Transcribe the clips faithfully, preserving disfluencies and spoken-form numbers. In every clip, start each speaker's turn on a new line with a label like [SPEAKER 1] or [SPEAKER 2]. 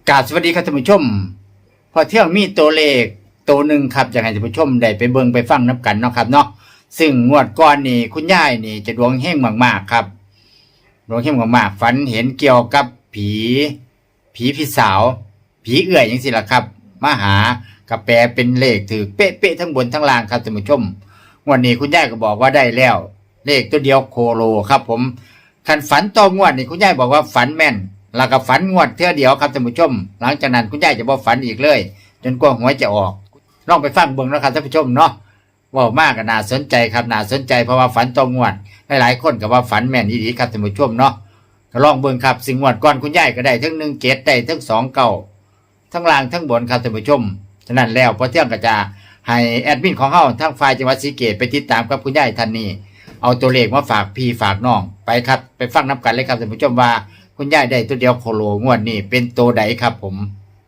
[SPEAKER 1] กราบสวัสดีครับท่านผู้ชมพอเที่ยงมีตัวเลขตัวหนึ่งครับอยากให้ท่านผู้ชมได้ไปเบิ่งไปฟังนับกันเนาะครับเนาะซึ่งงวดก่อนนี่คุณยายนี่จะดวงเฮงมากๆครับดวงเฮงมากๆฝันเห็นเกี่ยวกับผีผีพี่สาวผีเอื่อยอย่างสิล่ะครับมาหากระแปลเป็นเลขถือเป๊ะๆทั้งบนทั้งล่างครับท่านผู้ชมงวดนี้คุณยายก็บอกว่าได้แล้วเลขตัวเดียวโคโลครับผมคันฝันต่องวดนี่คุณยายบอกว่าฝันแม่นแล้วก็ฝันงวดเท่าเดียวครับท่านผู้ชมหลังจากนั้นคุณยายจะบ่ฝันอีกเลยจนกว่าหวยจะออกลองไปฟังเบิ่งนะครับท่านผู้ชมเนาะว่ามากก็น่าสนใจครับน่าสนใจเพราะว่าฝันต่องวดหลายๆคนก็ว่าฝันแม่นดีๆครับท่านผู้ชมเนาะก็ลองเบิ่งครับสิ่งงวดก่อนคุณยายก็ได้ทั้งหนึ่งเจ็ดได้ทั้งสองเก้าทั้งล่างทั้งบนครับท่านผู้ชมฉะนั้นแล้วพอเที่ยงก็จะให้แอดมินของเฮาทั้งฝ่ายจังหวัดศรีสะเกษไปติดตามกับคุณยายท่านนี้เอาตัวเลขมาฝากพี่ฝากน้องไปครับไปฟังนับกันเลยครับท่านผู้ชมว่าคุณยายได้ตัวเดียวโคโลงวดนี้เป็นตัวใดครับผม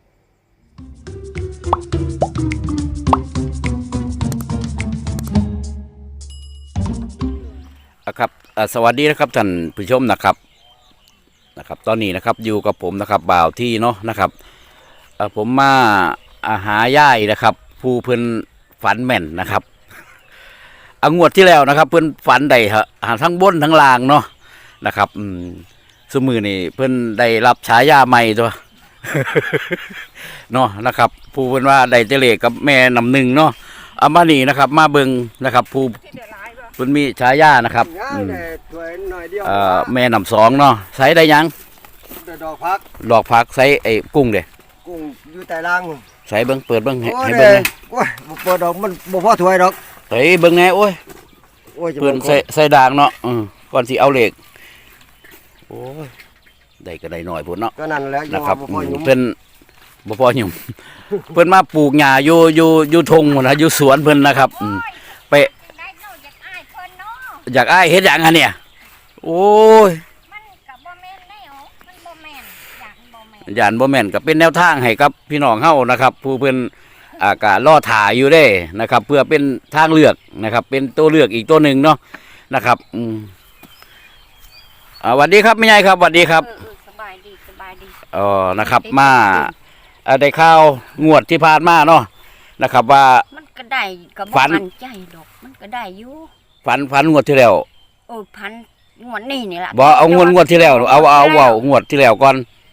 [SPEAKER 2] ครับสวัสดีนะครับท่านผู้ชมนะครับนะครับตอนนี้นะครับอยู่กับผมนะครับบ่าวที่เนาะนะครับผมมาหาย่ายนะครับผู้เพิ่นฝันแม่นนะครับเอางวดที่แล้วนะครับเพิ่นฝันได้หาทั้งบนทั้งล่างเนาะนะครับอืมสมือนี่เพิ่นได้รับฉายาใหม่ตัว เนาะนะครับผู้เพิ่นว่าได้เจเลกับแม่นำหนึ่งเนาะเอามานี่นะครับมาเบิ่งนะครับผู้เพิ่นมีฉายานะครับเอ่อแม่นำสองเนาะใส่ได้ยัง
[SPEAKER 3] ดอกพัก
[SPEAKER 2] ดอกพักใส่ไอ้กุ้งเด้
[SPEAKER 3] กุ้งอยู่ใต้ล่าง
[SPEAKER 2] ใส่เบิ่งเปิดเบิ่งให้เบิ่ง
[SPEAKER 3] โอ้ยบ่เปิดดอกมันบ่พอถ้วยดอก
[SPEAKER 2] ใส่เบิ่งแน่โอ้ยโอ้ยเปิดใส่ใส่ด่างเนาะอือก่อนสิเอาเหล็กโอ้ยได้ก็ได้หน่อยพุ่นเนาะ
[SPEAKER 3] ก็นั่นแหละ
[SPEAKER 2] นะครับเพิ่นบ่พอหยุ่มเพิ่นมาปลูกหญ้าอยู่อยู่อยู่ทงพุ่นนะอยู่สวนเพิ่นนะครับอืมไปอยากอ้ายเฮ็ดหยังอ่ะเนี่ยโอ้ย
[SPEAKER 4] มันก็บ่แม่นแนวมันบ่แม่นย่านบ่แม่น
[SPEAKER 2] ย่านบ่แม่นก็เป็นแนวทางให้กับพี่น้องเฮานะครับผู้เพิ่นอากาศรอถ่ายอยู่เด้นะครับเพื่อเป็นทางเลือกนะครับเป็นตัวเลือกอีกตัวหนึ่งเนาะนะครับอืมอ่าสวัสดีครับแม่ใหญ่ครับสวัสดีครับ
[SPEAKER 4] สบายดีสบายดี
[SPEAKER 2] อ๋อนะครับมาได้ข่าวงวดที่ผ่านมาเนาะนะครับว่า
[SPEAKER 4] มันก็ได้ก็บ่มั่นใจดอกมันก็ได้อยู่
[SPEAKER 2] ฝันฝันงวดที่แล้ว
[SPEAKER 4] โอ้พันงวดนี้นี่ล่ะ
[SPEAKER 2] บ่เอางวดงวดที่แล้วเอาเอาเอางวดที่แล้วก่อน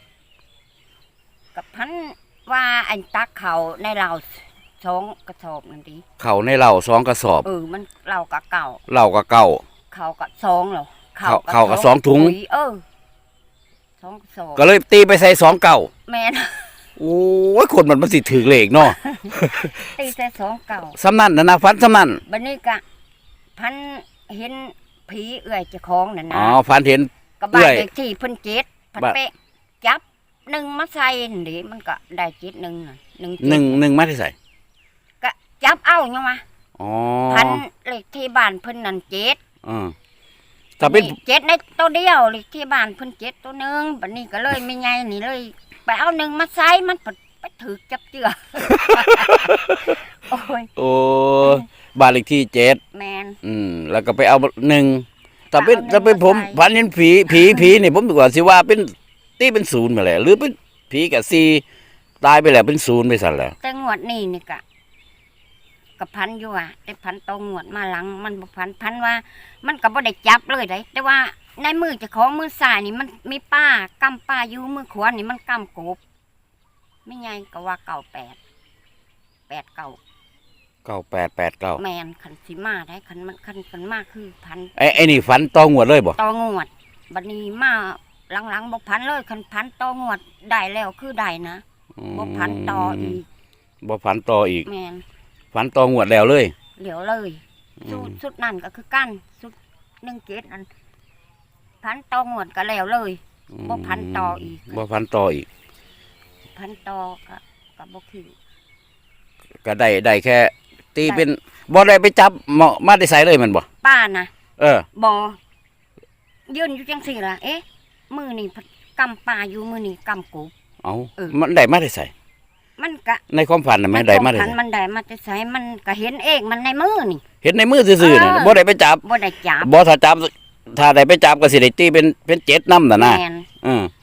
[SPEAKER 4] กับพันว่าอันตักเขาในเราสองกระสอบนั่นดิ
[SPEAKER 2] เขาในเหล่าสองกระสอบ
[SPEAKER 4] เออมันเราก็เก่า
[SPEAKER 2] เหล่าก็เก่า
[SPEAKER 4] เขาก็สองเหรอ
[SPEAKER 2] เขาเขาก็สองถุง
[SPEAKER 4] เออสองกระสอบ
[SPEAKER 2] ก็เลยตีไปใส่สองเก่า
[SPEAKER 4] แม่น
[SPEAKER 2] โอ้ยคนมันมันสิถือเลขเนาะ
[SPEAKER 4] ตีใส่สองเก่า
[SPEAKER 2] สำนันนะนะฝันสำนัน
[SPEAKER 4] บัดนี้ก็พันเห็นผีเอื่อยเจ้าของนั่นนะ
[SPEAKER 2] อ๋อฝันเห็น
[SPEAKER 4] กับบ้านเลขที่เพิ่นเจ็ดพันเป๊ะจับหนึ่งมาใส่นี่มันก็ได้เจ็ดหนึ่งหนึ่ง
[SPEAKER 2] หนึ่งหนึ่งมาที่ใส่
[SPEAKER 4] ก็จับเอายังมา
[SPEAKER 2] อ๋อ
[SPEAKER 4] พันเลขที่บ้านเพิ่นนั่นเจ็ด
[SPEAKER 2] อือถ้าเป็น
[SPEAKER 4] เจ็ดในตัวเดียวเลขที่บ้านเพิ่นเจ็ดตัวหนึ่งบัดนี้ก็เลยไม่ไงนี่เลยไปเอาหนึ่งมาใส่มันไปถือจับเจือโอ้ย
[SPEAKER 2] โอ้บ้านเลขที่เจ็ด
[SPEAKER 4] แมน
[SPEAKER 2] อืมแล้วก็ไปเอาหนึ่งแต่เป็นถ้าเป็นผมพันเห็นผีผีผีนี่ผมดีกว่าสิว่าเป็นตีเป็นศูนย์มาแหละหรือเป็นผีกับซีตายไปแล้วเป็นศูนย์ไปสั่นแล้ว
[SPEAKER 4] แต่งวดนี้นี่กะกับพันอยู่อ่ะแต่พันตองวดมาหลังมันบ่พันพันว่ามันก็บ่ได้จับเลยได้แต่ว่าในมือเจ้าของมือซ้ายนี่มันมีป้ากำป้าอยู่มือขวานี่มันกำกบไม่ไงก็ว่าเก่าแปดแปดเก่า
[SPEAKER 2] เก้าแปดแปดเก้า
[SPEAKER 4] แมนขันสีมาได้ขันมันขันขันมากคือพัน
[SPEAKER 2] ไอ้ไอ้นี่ฝันตองวดเลยบ่
[SPEAKER 4] ตองวดบัดนี้มาหลังๆบ่พันเลยขันพันตองวดได้แล้วคือได้นะบ่พันต่ออีก
[SPEAKER 2] บ่พันต่ออีก
[SPEAKER 4] แมน
[SPEAKER 2] ฝันตองวดแล้วเลย
[SPEAKER 4] เหลียวเลยสุดสุดนั่นก็คือกั้นสุดหนึ่งเกตนั่นพันตองวดก็แล้วเลยบ่พันต่ออีก
[SPEAKER 2] บ่พันต่ออีก
[SPEAKER 4] พันต่อก็ก็บ่คือ
[SPEAKER 2] ก็ได้ได้แค่ตีเป็นบ่ได้ไปจับมาได้ใส่เลยมันบ่
[SPEAKER 4] ป้านะ
[SPEAKER 2] เออ
[SPEAKER 4] บ่ยืนอยู่จังสี่ล่ะเอ๊ะมือนี่กำปลาอยู่มือนี่กำกู
[SPEAKER 2] เอามันได้มาได้ใส่
[SPEAKER 4] มันก็
[SPEAKER 2] ในความฝันน่ะมันได้มาได้ใส่
[SPEAKER 4] มันได้มาได้ใส่มันก็เห็นเองมันในมือนี่
[SPEAKER 2] เห็นในมือซื่อๆน่ะบ่ได้ไปจับ
[SPEAKER 4] บ่ได้จับ
[SPEAKER 2] บ่ถ้าจับถ้าได้ไปจับก็สิได้ตีเป็นเป็นเจ็ดนำน่ะนะอือ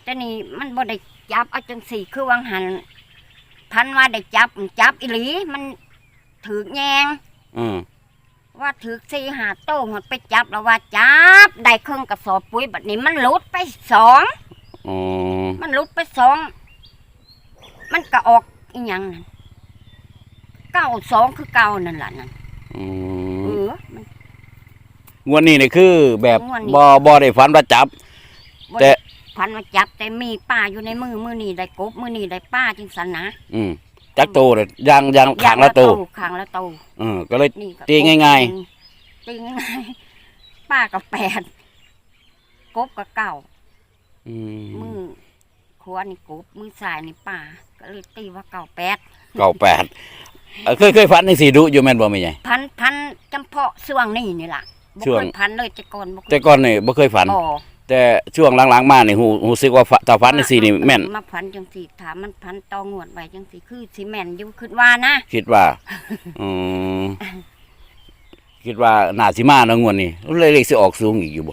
[SPEAKER 4] แต่นี่มันบ่ได้จับเอาจังสี่คือวางหันพันว่าได้จับจับอีหลีมันถือแยง
[SPEAKER 2] อืม
[SPEAKER 4] ว่าถือสี่หาโต้หมดไปจับแล้วว่าจับได้เครื่องกระสอบปุ๋ยแบบนี้มันหลุดไปสอง
[SPEAKER 2] อ๋อ
[SPEAKER 4] มันหลุดไปสองมันก็ออกอีหยังนั่นเก้าสองคือเก้านั่นแหละนั่น
[SPEAKER 2] อื
[SPEAKER 4] เอ
[SPEAKER 2] ม
[SPEAKER 4] อมัน
[SPEAKER 2] งวดนี้นี่คือแบบ
[SPEAKER 4] งวดนี้
[SPEAKER 2] บ่บ่ได้ฝันว่าจับ
[SPEAKER 4] บ่
[SPEAKER 2] แต่
[SPEAKER 4] ได้พันมาจับแต่มีป้าอยู่ในมือมือนี่ได้กบมือนี่ได้ป้าจังสันนะ
[SPEAKER 2] อืมจักโตเลยยางยางขางละโต
[SPEAKER 4] ขางละโต
[SPEAKER 2] อืมก็เลย
[SPEAKER 4] นี่ก็
[SPEAKER 2] ตีง่ายๆ
[SPEAKER 4] กบตีง่ายๆป้ากับแปดกบกับเก้า
[SPEAKER 2] อืม
[SPEAKER 4] มือขวานี่กบมือซ้ายนี่ป้าก็เลยตีว่าเก้าแปด
[SPEAKER 2] เก้าแปดเอ่อเคยเคยฝันจังซี่ดุอยู่แม่นบ่แม่ใหญ่
[SPEAKER 4] พันพันจำเพาะช่วงนี้นี่ล่ะบ่
[SPEAKER 2] ช่ว
[SPEAKER 4] เค
[SPEAKER 2] ง
[SPEAKER 4] ยพันเลยแต่ก่อนบ่เคย
[SPEAKER 2] แต่ก่อนนี่บ่เคยฝัน
[SPEAKER 4] บ่
[SPEAKER 2] แต่ช่วงหลังๆมานี่ฮู้ฮู้สึกว่าฝถ้าฝันจังซี่นี่แม่น
[SPEAKER 4] มาพันจังสี่ถามมันพันตองวดไว้จังสี่คือสิแม่นอยู่คิดว่านะ
[SPEAKER 2] คิดว่าอืมคิดว่าน่าสิมาเนาะงวดนี้เลยเลขสิออกสูงอีกอยู่บ่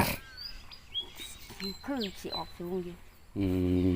[SPEAKER 4] คือสิออกสูงอยู่
[SPEAKER 2] อืม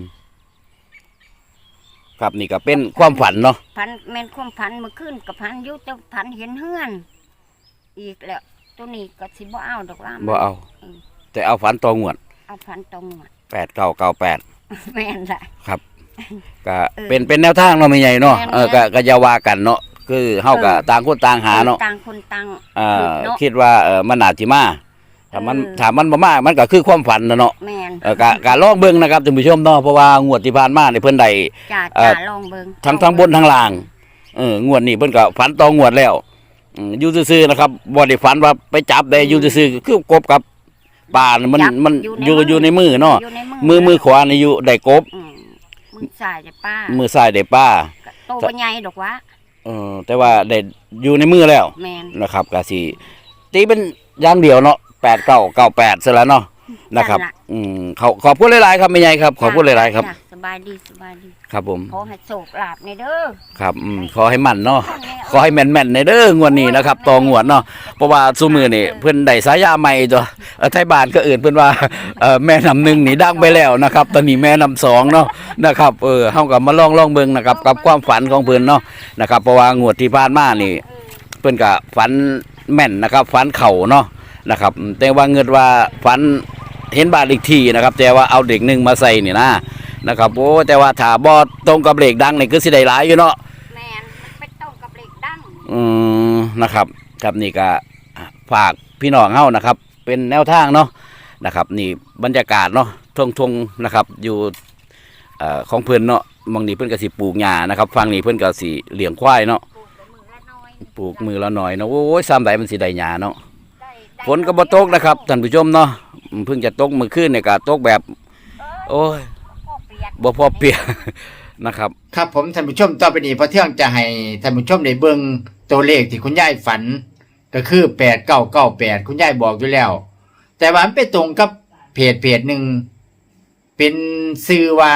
[SPEAKER 2] ครับนี่ก็เป็นความฝันเนาะ
[SPEAKER 4] พันแม่นความพันเมื่อคืนกับพันอยู่แต่พันเห็นเฮือน อีกแล้วตัวนี้ก็สิบ่เอาดอกว่ามัน
[SPEAKER 2] บ่เอา แต่เอาฝันต่องวด
[SPEAKER 4] เอาพันตองวด
[SPEAKER 2] แปดเก้าเก้าแปด
[SPEAKER 4] แม่นละ
[SPEAKER 2] ครับก็
[SPEAKER 4] เออ
[SPEAKER 2] เป็นเป็นแนวทางเนาะไม่ใหญ่เนาะ
[SPEAKER 4] แม่น
[SPEAKER 2] เออก็ก็อย่าว่ากันเนาะคือเฮาก็
[SPEAKER 4] เออ
[SPEAKER 2] ต่างคนต่างหาเนาะ
[SPEAKER 4] ต่างคนต่าง
[SPEAKER 2] เอ่อ
[SPEAKER 4] เนาะ
[SPEAKER 2] คิดว่าเออมันน่าสิมาถ้ามัน
[SPEAKER 4] เออ
[SPEAKER 2] ถ้ามันบ่มามันก็คือความฝันนะเนาะ
[SPEAKER 4] แม่น
[SPEAKER 2] เออก็ก็ลองเบิ่งนะครับท่านผู้ชมเนาะเพราะว่างวดที่ผ่านมานี่เพิ่นได้
[SPEAKER 4] จ่า
[SPEAKER 2] เอ่อ
[SPEAKER 4] จ่าลองเบิ่ง
[SPEAKER 2] ทั้งทั้งบนทั้งล่างเอองวดนี้เพิ่นก็ฝันต่องวดแล้วอืมอยู่ซื่อๆนะครับบ่ได้ฝันว่าไปจับได้อยู่ซื่อๆคือกบกับปลาน่ะมัน
[SPEAKER 4] จับ
[SPEAKER 2] มัน
[SPEAKER 4] อ
[SPEAKER 2] อยู่
[SPEAKER 4] ยู่ในมือ
[SPEAKER 2] อยู่ในมือเนาะ
[SPEAKER 4] อยู่ใน
[SPEAKER 2] มือมือขวานี่อยู่ได้กบ
[SPEAKER 4] อืมมือซ้ายจะป้า
[SPEAKER 2] มือซ้ายได้ปลา
[SPEAKER 4] ก็โตบ่ใหญ่ดอกวะ
[SPEAKER 2] เออแต่ว่าได้อยู่ในมือแล้ว
[SPEAKER 4] แม่น
[SPEAKER 2] นะครับก็สิตีเป็นอย่างเดียวเนาะแปดเก้าเก้าแปดซะแล้วเนาะนะครับ
[SPEAKER 4] นั่นล่ะ
[SPEAKER 2] อืมขอขอบคุณหลายๆครับแม่ใหญ่ครับขอบคุณหลายๆครับ
[SPEAKER 4] จ้ะสบายดีสบายดี
[SPEAKER 2] ครับผม
[SPEAKER 4] ขอให้โศกลาบในเด้อ
[SPEAKER 2] ครับอืมขอให้มั่นเนาะ
[SPEAKER 4] ท่านแน่
[SPEAKER 2] ขอให้แม่นๆในเด้องวดนี้นะครับต่องวดเนาะเพราะว่าซุมือนี่เพิ่นได้สายาใหม่ตัวเอ่อไทยบ้านก็เอื่นเพิ่นว่าเอ่อแม่นำหนึ่งนี่ดังไปแล้วนะครับตอนนี้แม่นำสองเนาะนะครับเออเฮาก็มาลองลองเบิ่งนะครับกับความฝันของเพิ่นเนาะนะครับเพราะว่างวดที่ผ่านมานี่ เพิ่นก็ฝันแม่นนะครับฝันเข่าเนาะนะครับ แต่ว่าเงินว่าฝันเห็นบ้านอีกทีนะครับ แต่ว่าเอาเด็กหนึ่งมาใส่นี่นะนะครับโอ้แต่ว่าถ้าบ่ตรงกับเลขดังนี่คือสิได้หลายอยู่เนาะ
[SPEAKER 4] แม่นมันไปตรงกับเหล็กดั้ง
[SPEAKER 2] อืมนะครับครับนี่ก็ฝากพี่น้องเฮานะครับ เป็นแนวทางเนาะนะครับ นี่บรรยากาศเนาะทงทงๆนะครับ อยู่เอ่อของเพิ่นเนาะบางนี้เพิ่นก็สิปลูกหญ้านะครับฝั่งนี้เพิ่นก็สิเลี้ยงควายเนาะ
[SPEAKER 4] ปลูกกับมือละน้อย
[SPEAKER 2] ปลูกมือละหน่อยเนาะโอ้ยซ้ำใดมันสิได้หญ้าเนาะ
[SPEAKER 4] ได้ได้
[SPEAKER 2] ฝนก็บ่ตกนะครับท่านผู้ชมเนาะเพิ่งจะตกเมื่อคืนเนี่ยก็ตกแบบ โอ้ย
[SPEAKER 4] พ่อเปียก
[SPEAKER 2] บ่พอเปียก นะครับ
[SPEAKER 1] ครับผมท่านผู้ชมต่อไปนี้พอเที่ยงจะให้ท่านผู้ชมได้เบิ่งตัวเลขที่คุณยายฝัน ก็คือแปดเก้าเก้าแปดคุณยายบอกอยู่แล้ว แต่ว่ามันไปตรงกับเพจเพจหนึ่งเป็นซื้อว่า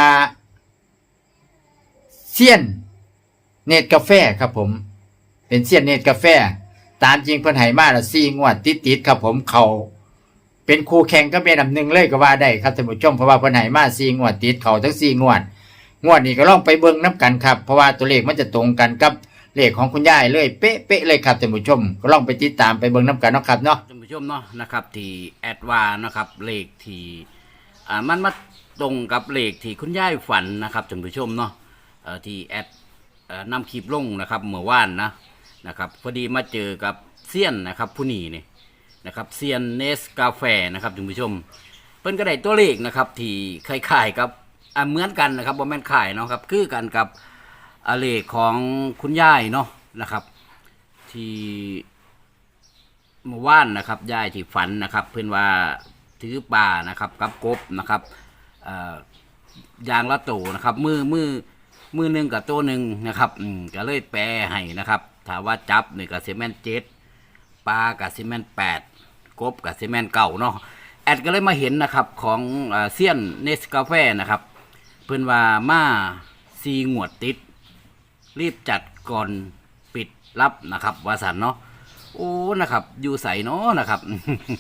[SPEAKER 1] เซียนเนตกาแฟครับผม เป็นเซียนเนตกาแฟ ตามจริงเพิ่นให้มาละสี่งวดติดๆครับผมเขาเป็นคู่แข่งก็เป็นอันดับหนึ่งเลยก็ว่าได้ครับท่านผู้ชมเพราะว่าเพิ่นให้มาสี่งวดติดเขาทั้งสี่งวด งวดนี้ก็ลองไปเบิ่งน้กันครับเพราะว่าตัวเลขมันจะตรงกันกับเลขของคุณยายเลยเป๊ะๆเลยครับท่านผู้ชม ก็ลองไปติดตามไปเบิ่งน้กันเนาะครับเนาะ
[SPEAKER 2] ท่านผู้ชมเนาะนะครับที่แอดวานะครับเลขที่อ่ามันมาตรงกับเลขที่คุณยายฝันนะครับท่านผู้ชมเนาะเอ่อที่แอดเอ่อนำคลิปลงนะครับเมื่อวานนะนะครับพอดีมาเจอกับเซียนนะครับผู้นี้นี่นะครับเซียนเนสกาแฟนะครับท่านผู้ชมเพิ่นก็ได้ตัวเลขนะครับที่คล้ายๆกับอ่าเหมือนกันนะครับบ่แม่นคล้ายเนาะครับคือกันกับอ่าเลขของคุณยายเนาะนะครับที่ เมื่อวานนะครับยายที่ฝันนะครับ เพื่อนว่าถือปลานะครับกับกบนะครับเอ่อยางละโตนะครับ มือมือมือหนึ่งกับตัวหนึ่งนะครับอืมก็เลยแปลให้นะครับถ้าว่าจับนี่กับซีเมนเจ็ดปลากับซีเมนแปดกบกับซีเมนเก่าเนาะแอดก็เลยมาเห็นนะครับของเอ่อเซียนเนสกาแฟนะครับ เพื่อนว่ามาซีงวดติด รีบจัดก่อนปิดรับนะครับวาสันเนาะ โอ้ นะครับ อยู่ใสเนาะนะครับ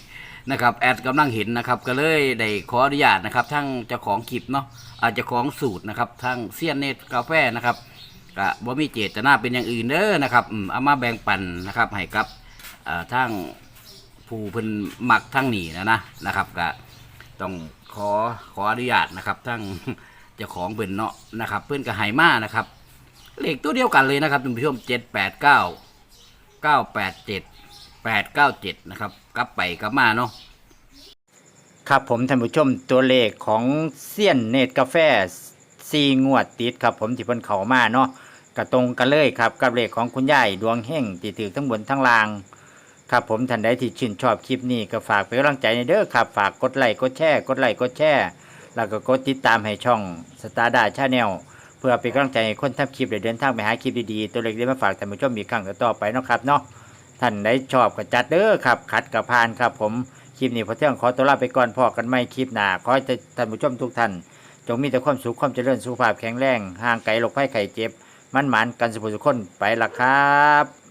[SPEAKER 2] นะครับแอดกำลังเห็นนะครับก็เลยได้ขออนุญาตนะครับทั้งเจ้าของคลิปเนาะอาจจะของสูตรนะครับทั้งเซียนเนตกาแฟนะครับก็บ่มีเจตนาเป็นอย่างอื่นเด้อนะครับอืมเอามาแบ่งปันนะครับให้กับเอ่อทั้งผู้เพิ่นมักทั้งนี้นะนะนะครับก็ต้องขอขออนุญาตนะครับทั้ง เจ้าของเพิ่นเนาะนะครับเพิ่นก็ให้มานะครับเลขตัวเดียวกันเลยนะครับท่านผู้ชมเจ็ดแปดเก้าเก้าแปดเจ็ดแปดเก้าเจ็ดนะครับกลับไปกลับมาเนาะ
[SPEAKER 1] ครับผมท่านผู้ชมตัวเลขของเซียนเนตกาแฟซีงวดติดครับผมที่เพิ่นเข้ามาเนาะก็ตรงกันเลยครับกับเลขของคุณยายดวงเฮงที่ถือทั้งบนทั้งล่างครับผมท่านใดที่ชื่นชอบคลิปนี้ก็ฝากเป็นกำลังใจในเด้อครับฝากกดไลค์กดแชร์กดไลค์กดแชร์แล้วก็กดติดตามให้ช่องสตาร์ดาชาแนลเพื่อเป็นกำลังใจให้คนทำคลิปได้เดินทางไปหาคลิปดีๆตัวเล็กๆมาฝากท่านผู้ชมอีกครั้งต่อไปเนาะครับเนาะท่านใดชอบก็จัดเด้อครับขัดกับพานครับผมคลิปนี้พอเที่ยงขอตัวลาไปก่อนพอกันไม่คลิปหน้าขอให้ท่านผู้ชมทุกท่านจงมีแต่ความสุขความเจริญสุขภาพแข็งแรงห่างไกลโรคภัยไข้เจ็บมันหมานกันสุขสุขคนไปละครับ